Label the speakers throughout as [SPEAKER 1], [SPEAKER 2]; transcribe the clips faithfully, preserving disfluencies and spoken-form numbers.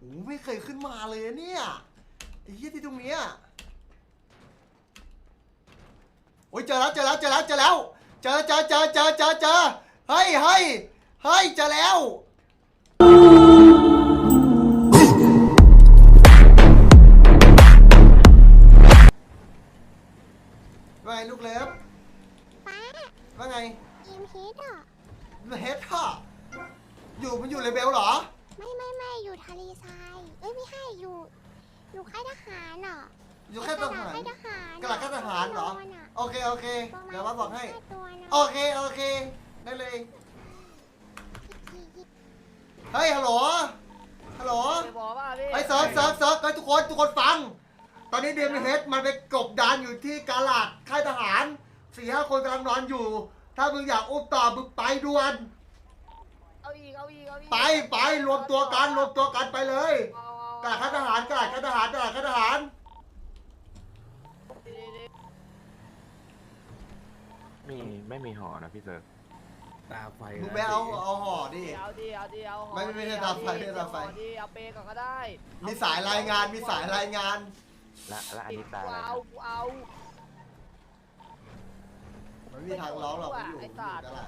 [SPEAKER 1] โอ้ไม่เคยขึ้นมาเลยเนี่ยไอ้เหี้ยที่ตรงเนี้ยโอ้ยเจอแล้วเจอแล้วเจอแล้วเจอแล้วเจอเจอเจอเจอเจอเจอเฮ้ยเฮ้ยเฮ้ยเจอแล้วว่าไงลูกเล็บป้าว่าไงยิมเฮดอ่ะเฮดอ่ะอยู่มันอยู่เลเบลเหรอไม่ไม่ไม่อยู่ทะเลทรายเอ้ยไม่ให้อยู่อยู่ค่ายทหารอ่ะอยู่ค่ายทหารกระดาษค่ายทหารเหรอโอเคโอเคเดี๋ยวมาบอกให้โอเคโอเคได้เลยเฮ้ยฮัลโหลฮัลโหลไอ้เซิร์ฟเซิร์ฟเซิร์ฟไอ้ทุกคนทุกคนฟังตอนนี้เดมเฮดมันไปกบดานอยู่ที่กาลาดค่ายทหารสี่ห้าคนกำลังนอนอยู่ถ้ามึงอยากอุ้มต่อมึงไปด่วนเอาอีกเอาอีกเอาอีกไปไปรวมตัวกันรวมตัวกันไปเลยกาลาดค่ายทหารกาลาดค่ายทหารกาลาดค่ายทหาร
[SPEAKER 2] มีไม่มีห่อนะพี่เซิร์ฟ
[SPEAKER 3] ตาไฟ
[SPEAKER 1] มึงไปเอาเอาห่อดิ
[SPEAKER 4] เอาดิเอาดิเอาห่อ
[SPEAKER 1] ไม่ไม่ใช่ตาไฟไม่ใช่ตาไฟ
[SPEAKER 4] เอาเปก่อนก็ได้
[SPEAKER 1] มีสายรายงานมีสายรายงาน
[SPEAKER 2] และและอันนี้ตาอะไร
[SPEAKER 4] เอาเอา
[SPEAKER 1] ไม่มีทางร้องหรอกอยู่อยู่ตลาด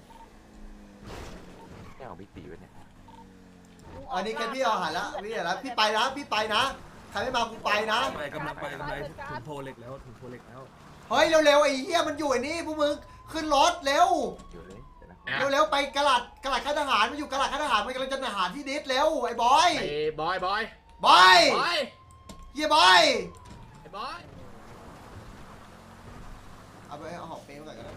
[SPEAKER 2] ไม่เอาพี่ตีไว้เนี่ย
[SPEAKER 1] อันนี้แค่พี่เอาหายแล้วพี่เดี๋ยวแล้วพี่ไปนะพี่ไปนะใครไม่มากูไปนะ
[SPEAKER 3] ไปกำลังไปกำลังถึงโพเล็กแล้วถึงโพเล็กแล้ว
[SPEAKER 1] เฮ้ยเร็วๆไอ้เหี้ยมันอยู่ไอ้นี่พวกมึงขึ้นรถเร็ว
[SPEAKER 2] อยู่เลย
[SPEAKER 1] เร็วๆไปกระดาษกระดาษค่ายทหารมันอยู่กระดาษค่ายทหารมันกำลังจะทหารที่ดิสเร็วไอ้บอย
[SPEAKER 5] ไอ้บอยบอย
[SPEAKER 1] บอย
[SPEAKER 5] บอย
[SPEAKER 1] เฮียบอย
[SPEAKER 5] ไอ้บอย
[SPEAKER 1] เอาไปเอาหอบเป้มาก่อนก็ได้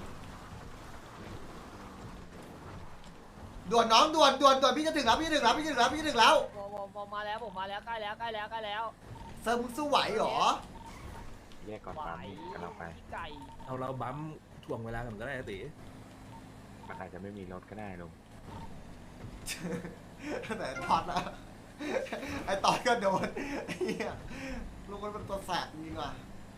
[SPEAKER 1] ด่วนน้องด่วนด่วนด่วนพี่จะถึงแล้วพี่จะถึงแล้วพี่จะถึงแล้วพี่จะถึงแล้ว
[SPEAKER 4] ผมผมมาแล้วผมมาแล้วใกล้แล้วใกล้แล้วใกล้แล้ว
[SPEAKER 1] เซิร์ฟมึงสู้ไหวเหรอ
[SPEAKER 2] แยกก่อนปั๊มกำลังไป
[SPEAKER 3] เอาเราบั๊มถ่วงเวลากันก็ได้ตี
[SPEAKER 2] มันอาจจะไม่มีรถก็ได้ลุง
[SPEAKER 1] แต่ตอนนะไอตอนก็โดนไอ้เหี้ยลูกมันเป็นตัวแสบจริงว่ะ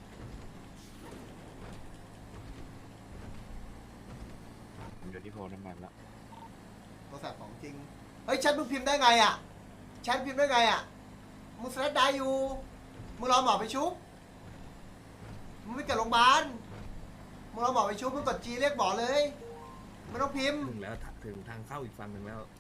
[SPEAKER 2] ผมอยู่ที่โพน้ำมันแล้ว
[SPEAKER 1] ตัวแสบของจริงเฮ้ยแชทมึงพิมพ์ได้ไงอ่ะแชทพิมพ์ได้ไงอ่ะมึงสแลดได้อยู่มึงรอหมอไปชุบมึงไม่เกิดโรงพยาบาลมึงรอหมอไปชุบมึงกดจีเรียกหมอเลยไม่ต้องพิมพ์
[SPEAKER 3] ถึงแล้วถึงทางเข้าอีกฝั่งหนึ่งแล้ว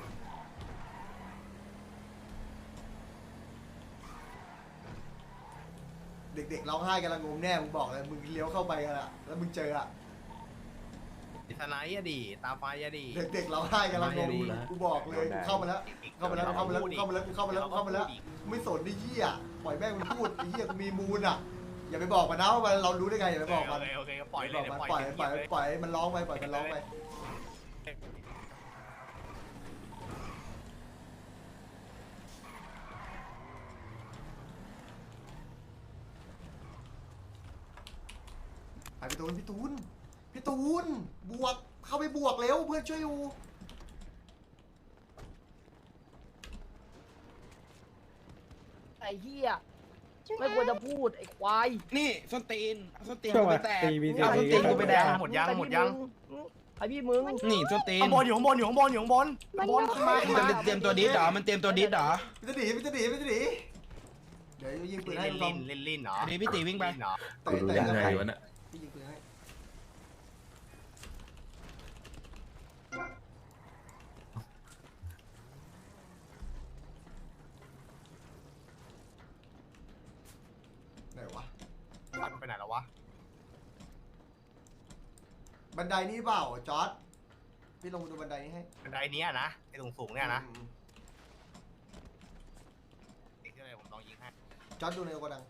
[SPEAKER 1] เด็กๆร้องไห้กันละงมแน่มึงบอกเลยมึงเลี้ยวเข้าไปกันอะแล้วมึงเจออะ
[SPEAKER 5] ทนายอะดีตาไฟอะดี
[SPEAKER 1] เด็กๆร้องไห้กันละงมกูบอกเลยกูเข้ามาแล้วเข้ามาแล้วเข้ามาแล้วเข้ามาแล้วเข้ามาแล้วเข้ามาแล้วไม่สนไอ้เหี้ยปล่อยแม่งมันพูดไอ้เหี้ยกูมีมูลอะอย่าไปบอกมันนะว่าเรารู้ได้ไงอย่าไปบอกมัน
[SPEAKER 5] โอเคปล่อยเลย
[SPEAKER 1] ปล่อยปล่อยปล่อยมันร้องไปปล่อยมันร้องไปพี่ตูนพี่ตูนพี่ตูนบวกเข้าไปบวกเร็วเพื่อนช่วยอยู่
[SPEAKER 4] ไอ้เหี้ยไม่ควรจะพูดไอ้ควาย
[SPEAKER 5] นี่ส้นตีนส้นตีนกูไปแตกเอาส้นตีนกูไปแดงหมดยังหมดยัง
[SPEAKER 4] ไอพี่มึง
[SPEAKER 5] นี่ส้นตีนข้างบนอยู่ข้างบนอยู่ข้างบนอยู่ข้างบนข้างบน
[SPEAKER 6] มันเตรียมตัวดิสเหรอมันเตรียมตัวดิสเหรอ
[SPEAKER 1] พี่จะหนีพี่จะหนีพี่จะหนีเดี๋ยวยิงปืนให้
[SPEAKER 5] ลินลินลินเหรอ
[SPEAKER 6] นี่พี่ตีวิ่งไป
[SPEAKER 3] เตะเตะยังไงวะเนี่ย
[SPEAKER 1] พี่ยิงปืนให้ไหนวะ
[SPEAKER 5] ปัดไปไหนแล้ววะ
[SPEAKER 1] บันไดนี้เปล่าจอร์ดพี่ลงมาดูบันไดนี้ให้
[SPEAKER 5] บันไดนี้นะไอ้ตรงสูงเนี่ยนะเด็กที่ไหนผมลองยิงให้
[SPEAKER 1] จอร์ดดูในโกดัง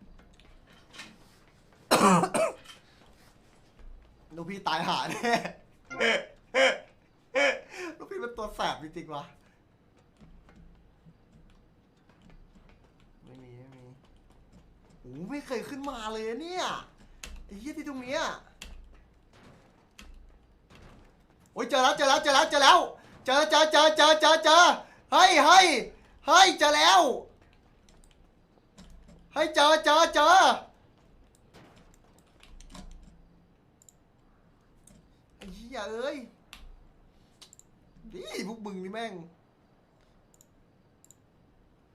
[SPEAKER 1] ลูกพี่ตายหาแน่ลูกพี่เป็นตัวแสบจริงๆวะไม่มีไม่มีโอ้ไม่เคยขึ้นมาเลยเนี่ยไอ้เหี้ยที่ตรงเนี้ยโอ้ยเจอแล้วเจอแล้วเจอแล้วเจอแล้วเจอเจอเจอเจอเจอเจอเฮ้ยเฮ้ยเฮ้ยเจอแล้วเฮ้ยเจอเจอเจอไอ้เหี้ยเอ้ยดิพวกมึงนี่แม่ง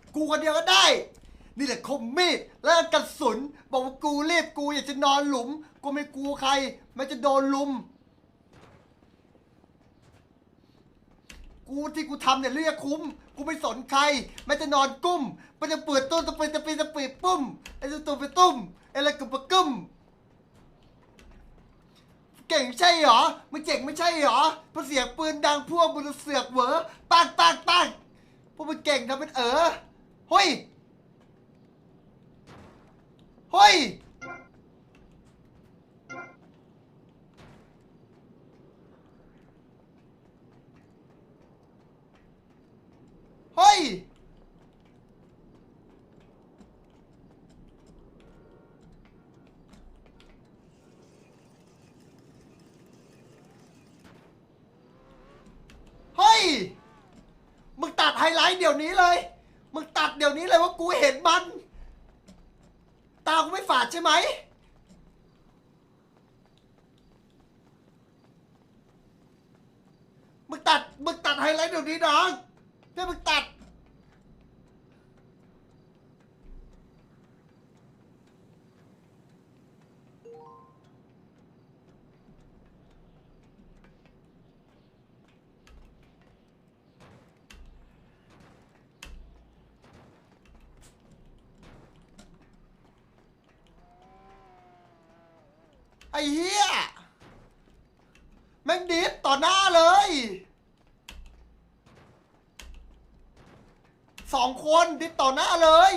[SPEAKER 1] กูคนเดียวก็ได้นี่แหละคมมีดและกระสุนบอกว่ากูรีบกูอยากจะนอนหลุมกูไม่กลัวใครมันจะโดนลุมกูที่กูทำเนี่ยเรียกคุ้มกูไม่สนใครมันจะนอนกุ้มมันจะเปิดต้นจะเปิดจะปีจะปีปุ้มไอ้ตัวตัวไปตุ้มไอ้อะไรกับปะกึ้มเก่งใช่เหรอมึงเจ๋งไม่ใช่เหรอพอเสียงปืนดังพวกมึงเสือกเหวอปังปังปังพวกมึงเก่งทำเป็นเออเฮ้ยเฮ้ยเฮ้ยเฮ้ยมึงตัดไฮไลท์เดี๋ยวนี้เลยมึงตัดเดี๋ยวนี้เลยว่ากูเห็นมันตากูไม่ฝาดใช่ไหมมึงตัดมึงตัดไฮไลท์เดี๋ยวนี้น้องเพื่อมึงตัดไอ้เหี้ยแม่งดิสต่อหน้าเลยสองคนดิสต่อหน้าเลย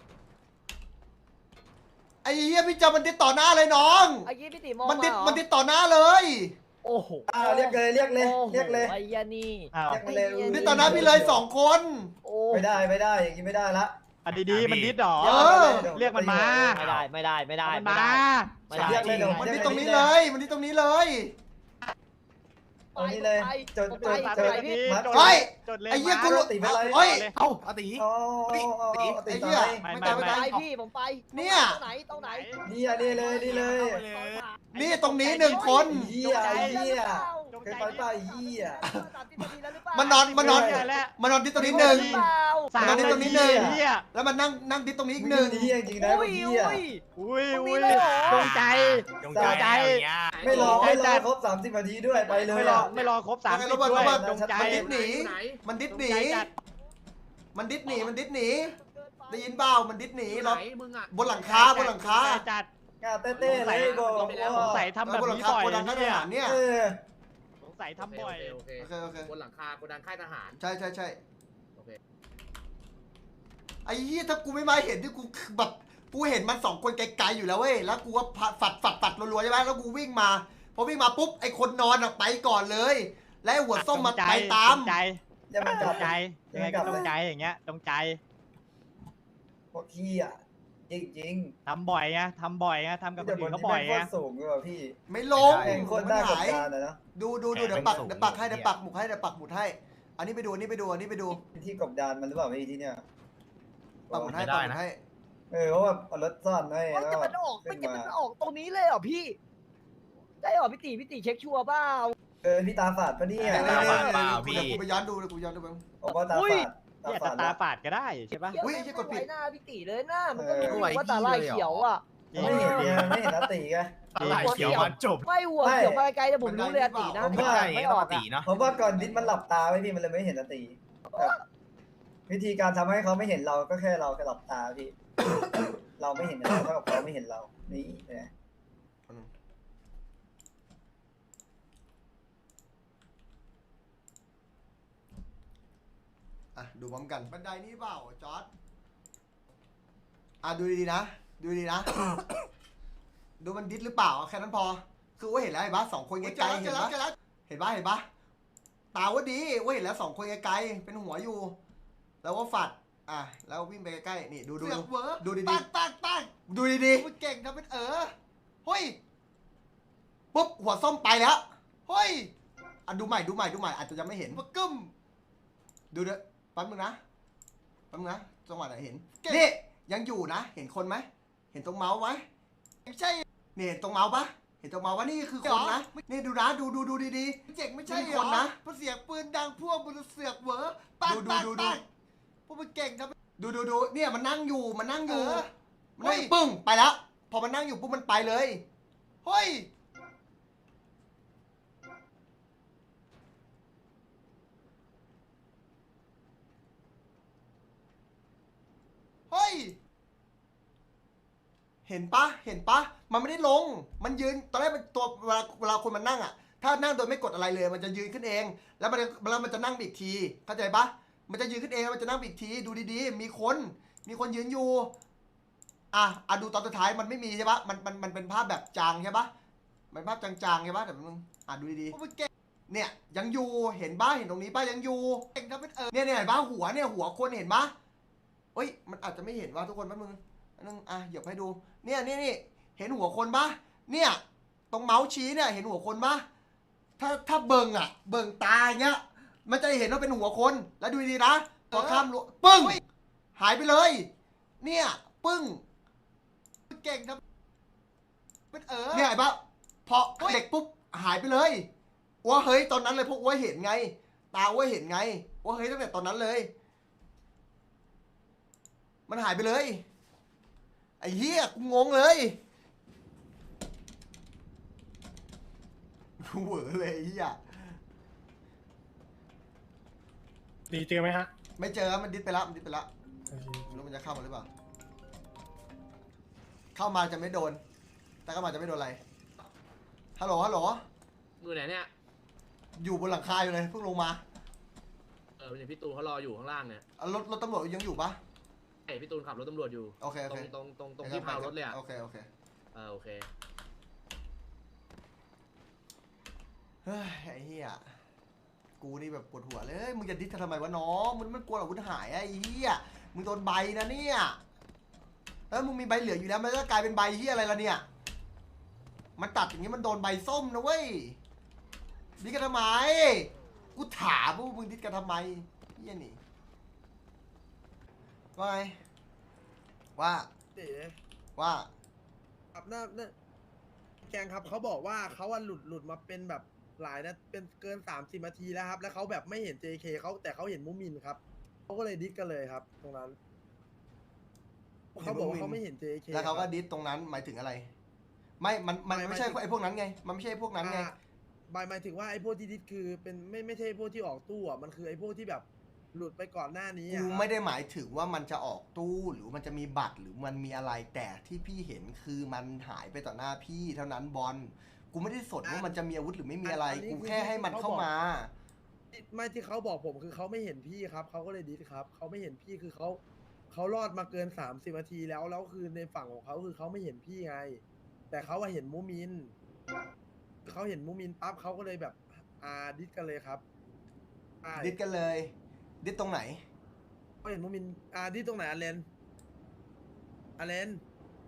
[SPEAKER 1] ไอ้เหี้ยพี่จำมันดิสต่อหน้าเลยน้อง
[SPEAKER 4] ไอ้ยี่พี่ติมอง
[SPEAKER 1] มันดิส
[SPEAKER 4] าเหรอ
[SPEAKER 1] มันดิสต่อหน้าเลย
[SPEAKER 4] โอ้โห
[SPEAKER 7] อ้าวเรียกเลยเรียกเลย
[SPEAKER 4] โอ้โห
[SPEAKER 7] เรียกเลย
[SPEAKER 4] ไอ้ยานี่
[SPEAKER 5] อ้าว
[SPEAKER 7] เรียกมาเลย
[SPEAKER 4] ไอ้
[SPEAKER 1] ดิสต่อหน้าพี่เลยสองคน
[SPEAKER 4] โอ้
[SPEAKER 7] ไม่ได้ไม่ได้อย่างนี้ไม่ได้ละ
[SPEAKER 5] อันดีๆมันดิสหรอ
[SPEAKER 1] เออ
[SPEAKER 5] เรียกมันมา
[SPEAKER 4] ไม่ได้ไม่ได้ไม่ได้
[SPEAKER 5] มัน
[SPEAKER 4] ไม่
[SPEAKER 5] มา
[SPEAKER 4] ได้ไม่ได้
[SPEAKER 7] เรียกเลยเดี๋ยว
[SPEAKER 1] มัน
[SPEAKER 7] เรี
[SPEAKER 1] ดิ
[SPEAKER 7] ย
[SPEAKER 1] ส
[SPEAKER 7] ก
[SPEAKER 1] ตรงนี้เลยมันดิสตรงนี้เลย
[SPEAKER 7] เอานี่เลยจดจด
[SPEAKER 4] ไป
[SPEAKER 7] จด
[SPEAKER 4] ไปพี่
[SPEAKER 7] มัด
[SPEAKER 1] เฮ้ย
[SPEAKER 5] จดเลย
[SPEAKER 1] ไอ้เหี้ย
[SPEAKER 5] มา
[SPEAKER 1] กูรู้
[SPEAKER 7] ตีไปเลย
[SPEAKER 1] เฮ้ย
[SPEAKER 5] เอ้าอาตี
[SPEAKER 7] อ๋ออ๋อ
[SPEAKER 1] ไอ้
[SPEAKER 7] ตี
[SPEAKER 1] เหี้ย
[SPEAKER 7] ตาย
[SPEAKER 1] ไม่ตายไม่
[SPEAKER 4] ไป
[SPEAKER 1] ตาย
[SPEAKER 4] พี่ผมไป
[SPEAKER 1] เนี่ย
[SPEAKER 4] ตรงไหนตรงไหน
[SPEAKER 7] นี่อ่ะนี่เลยนี่เลย
[SPEAKER 1] นี่ตรงนี้หนึ่งคน
[SPEAKER 7] เหี้ยไอ้เหี้ย
[SPEAKER 5] จง
[SPEAKER 7] เคย
[SPEAKER 5] ใจ
[SPEAKER 7] ไปเปล่าไอ้เหี้ย
[SPEAKER 1] มันนอนมันนอน
[SPEAKER 5] เหี้ยแล้ว
[SPEAKER 1] มันนอนดิสตรงนี้หนึ่ง
[SPEAKER 5] สาม
[SPEAKER 1] มันนอนดิสตรงนี้หนึ่ง
[SPEAKER 5] เหี้ย
[SPEAKER 1] แล้วมันนั่งนั่งดิสตรงนี้อีก
[SPEAKER 7] ห
[SPEAKER 1] ห
[SPEAKER 7] นึ่
[SPEAKER 1] นึ่
[SPEAKER 7] ง
[SPEAKER 1] ง
[SPEAKER 7] เหี้ยจริงนะ
[SPEAKER 4] อุ้ย
[SPEAKER 7] เหี้ย
[SPEAKER 4] อุ้ย
[SPEAKER 5] อุ้ย
[SPEAKER 4] ตรงนี้
[SPEAKER 5] อุ้ย
[SPEAKER 4] เลยเหรอ
[SPEAKER 5] จงใจ
[SPEAKER 7] จง
[SPEAKER 5] จงใจ
[SPEAKER 7] ไม่รอไม่รอครบสามสิบนาทีด้วยไปเลย
[SPEAKER 5] ไม่รอไม่รอครบสามสิบด้วยจงใจ
[SPEAKER 1] มันดิสหนีมันดิสหนี
[SPEAKER 5] จงใจจัด
[SPEAKER 1] มันดิสหนีมันดิสหนีได้ยินเปล่ามันดิสหนีเรา
[SPEAKER 8] มึงอ่ะ
[SPEAKER 1] บนหลังคาบนหลังคา
[SPEAKER 5] จงใจจัด
[SPEAKER 7] งาเต้ๆเลยบอก
[SPEAKER 5] สงสัยทำแบบ
[SPEAKER 1] บนหลัง
[SPEAKER 5] นี้
[SPEAKER 1] คา
[SPEAKER 5] บ่อย
[SPEAKER 1] โกดังค่ายท
[SPEAKER 5] เนี่ย
[SPEAKER 1] หารเนี่ย
[SPEAKER 7] เออ
[SPEAKER 5] สงสัยทำบ่อย
[SPEAKER 8] โอเค
[SPEAKER 1] โอเคโอเค
[SPEAKER 8] บนหลังคาโกดังค่ายทหาร
[SPEAKER 1] ใช่ใช่ใช่
[SPEAKER 8] โอเค
[SPEAKER 1] ไอ้เหี้ยถ้ากูไม่มาเห็นที่กูแบบกูเห็นมันสองคนไกลๆอยู่แล้วเว้ยแล้วกูก็ฝัดฝัดฝัดรัวๆใช่ไหมแล้วกูวิ่งมาพอวิ่งมาปุ๊บไอ้คนนอนอะไปก่อนเลย และไอ้หัวส้มมันไปตาม
[SPEAKER 5] จงใจ
[SPEAKER 7] อย่ามัน
[SPEAKER 5] จ
[SPEAKER 7] กลับ
[SPEAKER 5] งใจยังไงก็จงใจอย่างเงี้ยจงใจ
[SPEAKER 7] พวกขี้อ่ะจริงจริง
[SPEAKER 5] ทำบ่อยไงทำบ่อยไงทำกับคนอื่นเขาบ่อย
[SPEAKER 7] ไง
[SPEAKER 5] ไง
[SPEAKER 7] สูงเลยว่ะพี่
[SPEAKER 1] ไม่ลง
[SPEAKER 7] แข่งคน
[SPEAKER 1] มั
[SPEAKER 7] ได้
[SPEAKER 1] น
[SPEAKER 7] กับ
[SPEAKER 1] หาย
[SPEAKER 7] การนะเนาะ
[SPEAKER 1] ดูดูดูเดี๋ยวปักเดี๋ยวปักให้เดี๋ยวปักหมุดให้เดี๋ยวปักหมุดให้ อันนี้ไปดูอันนี้ไปดูอันนี้ไปดู
[SPEAKER 7] ที่กบดานมันหรือเปล่าพี่ที่เนี่ย
[SPEAKER 1] ปักหมุดให้ปักหมุดให้
[SPEAKER 7] เออเพราะว่าเอารถซ่อนไว้
[SPEAKER 4] มัน
[SPEAKER 7] แล้ว
[SPEAKER 4] จะมันออก
[SPEAKER 7] ขึ้
[SPEAKER 4] มัน
[SPEAKER 7] น
[SPEAKER 4] จะ
[SPEAKER 7] มา
[SPEAKER 4] มันออกตรงนี้เลยเหรอพี่ได้เหรอพี่ตีพี่ตีเช็คชัวร์เปล่า
[SPEAKER 7] เออพี่ตาฝาดปะเนี่ย
[SPEAKER 1] เดี๋ยว
[SPEAKER 5] ตาฝาดเปล่าพี่
[SPEAKER 1] กูไปย้อนดูเลยกูย้อนดูบ้าง
[SPEAKER 7] บอกว่าตา
[SPEAKER 4] อุ้ย
[SPEAKER 7] ฝาดตา
[SPEAKER 5] เนี่ย
[SPEAKER 7] ฝา
[SPEAKER 5] แต่
[SPEAKER 7] ด
[SPEAKER 5] ตา
[SPEAKER 7] แล้ว
[SPEAKER 5] ฝาดก็ได้ใช่ปะ
[SPEAKER 1] อุ๊ยไอ้เหี้ยกดผิด
[SPEAKER 4] หน้าพี่ตีเลยหน้ามันก็
[SPEAKER 7] เออ
[SPEAKER 4] รู้ว่าตาลายเขียวอ่ะ
[SPEAKER 7] ไม่เห็นเนี่ยไม่เห็นนาตีไง
[SPEAKER 8] อะไรเขียวมันจบ
[SPEAKER 4] ไม่หัวเขียวมาไกลแต่ผมรู้เลยอะตีนะ
[SPEAKER 7] ผมว่า
[SPEAKER 4] ไม่ออกอะ
[SPEAKER 8] เนาะ
[SPEAKER 7] ผมว่าก่อนดิสมันหลับตาไว้พี่มันเลยไม่เห็นนาตีแบบวิธีการทำให้เขาไม่เห็นเราก็แค่เราแค่หลับตาพี่ เราไม่เห็นเขาเท่ากับเขาไม่เห็นเรานี่นะ
[SPEAKER 1] อ่ะดูพร้อมกันบันไดนี้เปล่าจอร์ดอ่ะดูดีๆนะดูดีๆนะ ดูมันดิสหรือเปล่าแค่นั้นพอคือว่าเห็นแล้วเห็นปะสองคนไกลๆเห็นปะเห็นปะเห็นปะตาว่าดีว่าเห็นแล้วสองคนไกลๆเป็นหัวอยู่ แล้วว่าฝัดอ่ะแล้ววิ่งไปใกล้ๆนี่ดูดูดูดูดีๆปังปังดูดีๆมึงเก่งทำเป็นเออเฮ้ยปุ๊บหัวส้มไปแล้วเฮ้ยอ่ะดูใหม่ดูใหม่ดูใหม่อาจจะยังไม่เห็นปะกึ้มดูเด้อแป๊บนึงนะแป๊บนึงนะจังหวะไหนเห็นนี่ยังอยู่นะเห็นคนไหมเห็นตรงเมาส์ไหมไม่ใช่นี่เห็นตรงเมาส์ปะเห็นตรงเมาส์ว่านี่คือคนนะนี่ดูนะดูดูดูดีๆเจ๋งไม่ใช่คนนะเพราะเสียงปืนดังพวกมึงเสือกเหวอปังปังปังพวกมึงเก่งทำดูดูดูเนี่ยมันนั่งอยู่มันนั่งอยู่
[SPEAKER 5] เออ
[SPEAKER 1] มันนั่ง
[SPEAKER 5] เฮ้ย
[SPEAKER 1] ปึ้งไปแล้วพอมันนั่งอยู่ปุ๊บมันไปเลยเฮ้ยเฮ้ยเห็นปะเห็นปะมันไม่ได้ลงมันยืนตอนแรกมันตัวเวลาเวลาคนมันนั่งอ่ะถ้านั่งโดยไม่กดอะไรเลย มันจะยืนขึ้นเองแล้วมันแล้วมันจะนั่งอีกทีเข้าใจปะมันจะยืนขึ้นเองแล้วมันจะนั่งอีกทีดูดีๆมีคนมีคนยืนอยู่อ่ะอ่ะดูตอนสุดท้ายมันไม่มีใช่ปะมันมันมันเป็นภาพแบบจางใช่ปะมันภาพจางๆใช่ปะแต่มึงอ่ะดูดีๆเนี่ยยังอยู่เห็นปะเห็นตรงนี้ปะยังอยู่เองถ้าเป็นเออเนี่ยเนี่ยเห็นปะหัวเนี่ยหัวคนเห็นปะเฮ้ยมันอาจจะไม่เห็นว่าทุกคนแป๊บนึงอันนึงอ่ะหยิบให้ดูเนี่ยนี่นี่เห็นหัวคนปะเนี่ยตรงเมาส์ชี้เนี่ยเห็นหัวคนปะถ้าถ้าเบิ่งอ่ะเบิ่งตาอย่างเงี้ยมันจะเห็นว่าเป็นหัวคนแล้วดูดีๆนะพอข้ามรั้วปึ้งหายไปเลยเนี่ยปึ้งเก่งครับเป็นเออเนี่ยไอ้ปะพอเด็กปุ๊บหายไปเลยอ้วเฮ้ยตอนนั้นเลยพวกอ้วเห็นไงตาอ้วเห็นไงอ้วเฮ้ยตั้งแต่ตอนนั้นเลยมันหายไปเลยไอ้เหี้ยกูงงเลยกูเหวอเลยไอ้เหี้ย
[SPEAKER 9] ดีเจอไหมฮะ
[SPEAKER 1] ไม่เจอมันดิสไปแล้วมันดิสไปแล้วไม่รู้มันจะเข้ามาหรือเปล่าเข้ามาจะไม่โดนแต่เข้ามาจะไม่โดนอะไรฮัลโหลฮัลโหล
[SPEAKER 8] มือไหนเนี่ย
[SPEAKER 1] อยู่บนหลังคาอยู่เลยเพิ่งลงมา
[SPEAKER 8] เออเป็นพี่ตูนเขารออยู่ข้างล่างเนี่ย
[SPEAKER 1] อ่ะรถรถตำรวจยังอยู่ปะ
[SPEAKER 8] ไอพี่ตูนขับรถตำรวจอยู่
[SPEAKER 1] โอเคโอ
[SPEAKER 8] ตร
[SPEAKER 1] เค
[SPEAKER 8] งตรงตรงตรงที่พาวรถเลยอ่ะ
[SPEAKER 1] โอเคโอเค
[SPEAKER 8] เออโอเค
[SPEAKER 1] เฮ้ยไอ้เหี้ยกูนี่แบบปวดหัวเลยมึงจะดิสทำไมวะน้องมึงมันกลัวอาวุธหายอะไอ้เหี้ยมึงโดนใบนะเนี่ยแล้วมึงมีใบเหลืออยู่แล้วมันก็กลายเป็นใบเหี้ยอะไรล่ะเนี่ยมันตัดอย่างนี้มันโดนใบส้มนะเว้ยดิสกันทำไมกูถามว่ามึงดิสกันทำไมเหี้ยนี่ว่าไงว่า
[SPEAKER 10] เอ๋
[SPEAKER 1] ว่า
[SPEAKER 10] ครับน่าน่าแกงครับเขาบอกว่าเขาอะหลุดหลุดมาเป็นแบบหลายนะเป็นเกินสามสิบนาทีแล้วครับ แล้วเขาแบบไม่เห็น เจ เค เขาแต่เขาเห็นมุมินครับเขาก็เลยดิสกันเลยครับ ตรงนั้นเขาบอกว่าเขาไม่เห็น เจ เค
[SPEAKER 1] แล้วเขาก็ดิสตรงนั้นหมายถึงอะไร ไม่มันมันไม่ใช่ไอ้พวกนั้นไงมันไม่ใช่พวกนั้นไง
[SPEAKER 10] หมายหมายถึงว่าไอ้พวกที่ดิสคือเป็นไม่ไม่ใช่พวกที่ออกตู้อ่ะมันคือไอ้พวกที่แบบหลุดไปก่อนหน้านี้
[SPEAKER 1] กู
[SPEAKER 10] อะ
[SPEAKER 1] ไม่ได้หมายถึงว่ามันจะออกตู้หรือมันจะมีบัตรหรือมันมีอะไรแต่ที่พี่เห็นคือมันหายไปต่อหน้าพี่เท่านั้นบอลกูไม่ได้สนว่ามันจะมีอาวุธหรือไม่มีอะไรกูแค่ให้มันเข้ามา
[SPEAKER 10] ไม่ที่เขาบอกผมคือเขาไม่เห็นพี่ครับเขาก็เลยดิสครับเขาไม่เห็นพี่คือเขาเขารอดมาเกินสามสิบนาทีแล้วแล้วคือในฝั่งของเขาคือเขาไม่เห็นพี่ไง แต่เขาว่าเห็นมูมินเขาเห็นมูมินปั๊บเขาก็เลยแบบอ่าดิสกันเลยครับใช่
[SPEAKER 1] ดิสกันเลยดิสตรงไหน
[SPEAKER 10] เขาเห็นมูมินอ่าดิสตรงไหนอาเลนอาเลน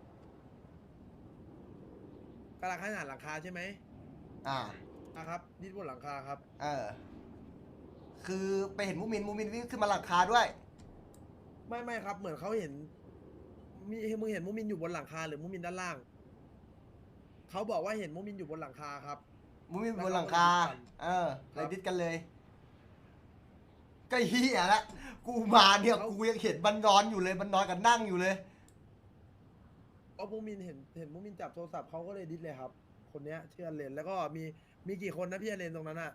[SPEAKER 10] กำลังขนาดหลังคาใช่ไหม
[SPEAKER 1] อ่า
[SPEAKER 10] นะครับดิสบนหลังคาครับ
[SPEAKER 1] เออคือไปเห็นมูมินมูมินวิ่งขึ้นมาหลังคาด้วย
[SPEAKER 10] ไม่ไม่ครับเหมือนเขาเห็นมีมึงเห็นมูมินอยู่บนหลังคาหรือมูมินด้านล่างเขาบอกว่าเห็นมูมินอยู่บนหลังคาครับ
[SPEAKER 1] มูมินบนหลังคาเออเลยดิสกันเลยก็เฮียละกูมาเนี่ยกูยังเห็นมันนอนอยู่เลยมันนอนกันนั่งอยู่เลย
[SPEAKER 10] เพราะมูมินเห็นเห็นมูมินจับโทรศัพท์เขาก็เลยดิสเลยครับ คนเนี้ยชื่ออเลนแล้วก็มีมีกี่คนนะพี่อเลนตรงนั้นอะ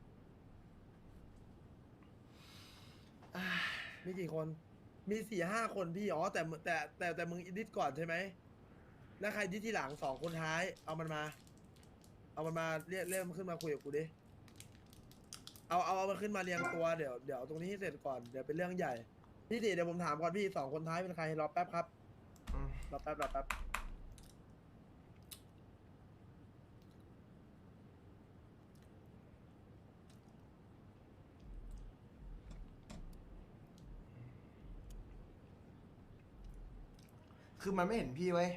[SPEAKER 10] มีกี่คน มีสี่ห้าคนพี่อ๋อแต่แต่แต่แต่มึงดิสก่อนใช่ไหมแล้วใครดิสทีหลังสองคนท้ายเอามันมา เอามันมาเรียกเรียกมันขึ้นมาคุยกับกูดิเอาเอาเอามันขึ้นมาเรียงตัวเดี๋ยวเดี๋ยวตรงนี้ให้เสร็จก่อนเดี๋ยวเป็นเรื่องใหญ่พี่ติเดี๋ยวผมถามก่อนพี่สองคนท้ายเป็นใครรอแป๊บครับ
[SPEAKER 1] อืม
[SPEAKER 10] รอแป๊บรอแป๊บ
[SPEAKER 1] คือมันไม่เห็นพี่ไว้ย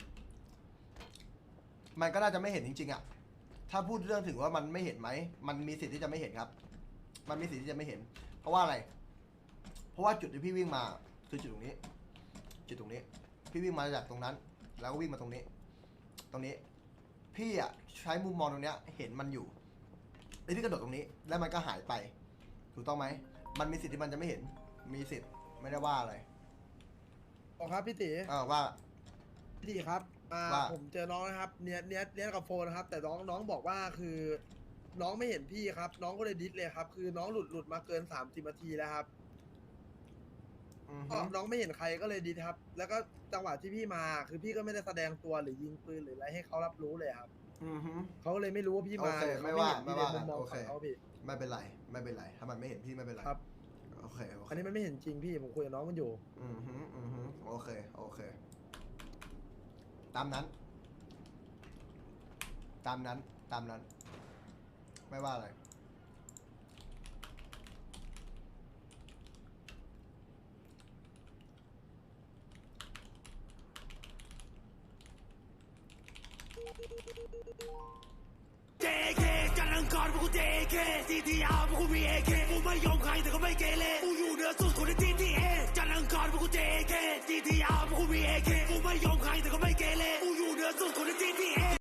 [SPEAKER 1] มันก็น่าจะไม่เห็นจริงๆอ่ะ ถ้าพูดเรื่องถึงว่ามันไม่เห็นไหม มันมีสิทธิ์ที่จะไม่เห็นครับ มันมีสิทธิ์ที่จะไม่เห็น เพราะว่าอะไร เพราะว่าจุดที่พี่วิ่งมาคือจุดตรงนี้ จุดตรงนี้ พี่วิ่งมาจากตรงนั้น แล้วก็วิ่งมาตรงนี้ ตรงนี้ พี่อ่ะใช้มุมมองตรงเนี้ยเห็นมันอยู่ไอ้ที่กระโดดตรงนี้ แล้วมันก็หายไป ถูกต้องไหม มันมีสิทธิ์ที่มันจะไม่เห็น มีสิทธิ์ ไม่ได้ว่าอะไร
[SPEAKER 10] อ๋อครับพี่ตี
[SPEAKER 1] อ่าว่า
[SPEAKER 10] พี่ตีครับอ่า
[SPEAKER 1] ว่า
[SPEAKER 10] ผมเจอน้องนะครับเนี้ยเนี้ยเนี้ยกับโฟนนะครับ แต่น้องน้องบอกว่าคือ น้องไม่เห็นพี่ครับ น้องก็เลยดิสเลยครับ คือน้องหลุดหลุดมาเกินสามสิบนาทีแล้วครับ
[SPEAKER 1] อือ
[SPEAKER 10] ก็
[SPEAKER 1] ฮึ
[SPEAKER 10] น้องไม่เห็นใครก็เลยดิสครับ แล้วก็จังหวะที่พี่มา คือพี่ก็ไม่ได้แสดงตัวหรือยิงปืนหรืออะไรให้เขารับรู้เลยครับ
[SPEAKER 1] อือฮึ
[SPEAKER 10] เขาก็เลยไม่รู้ว่าพี่มา
[SPEAKER 1] โอเค
[SPEAKER 10] หรือเข
[SPEAKER 1] ไม่ว่า
[SPEAKER 10] เห็นพี่
[SPEAKER 1] ไม่ว่า
[SPEAKER 10] ในมุมมอง
[SPEAKER 1] โอเค
[SPEAKER 10] ของเขาพี่
[SPEAKER 1] ไม่เป็นไรไม่เป็นไรถ้ามันไม่เห็นพี่ไม่เป็นไร
[SPEAKER 10] ครับ
[SPEAKER 1] โอเคโอเค
[SPEAKER 10] อันนี้มันไม่เห็นจริงพี่ผมคุยกับน้องมันอยู่
[SPEAKER 1] อือฮึอือฮึโอเคโอเค ตามนั้น ตามนั้นตามนั้น ไม่ว่าอะไร
[SPEAKER 11] เจ เค จันทร์อังคารพวกกู เจ เค ซี ที อาร์ พวกกู มี เอ เค กูไม่ยอมใครแต่ก็ไม่เกเรกูอยู่เหนือสุดคนใน ที ที เอ จันทร์อังคารพวกกู เจ เค ซี ที อาร์ พวกกู มี เอ เค กูไม่ยอมใครแต่ก็ไม่เก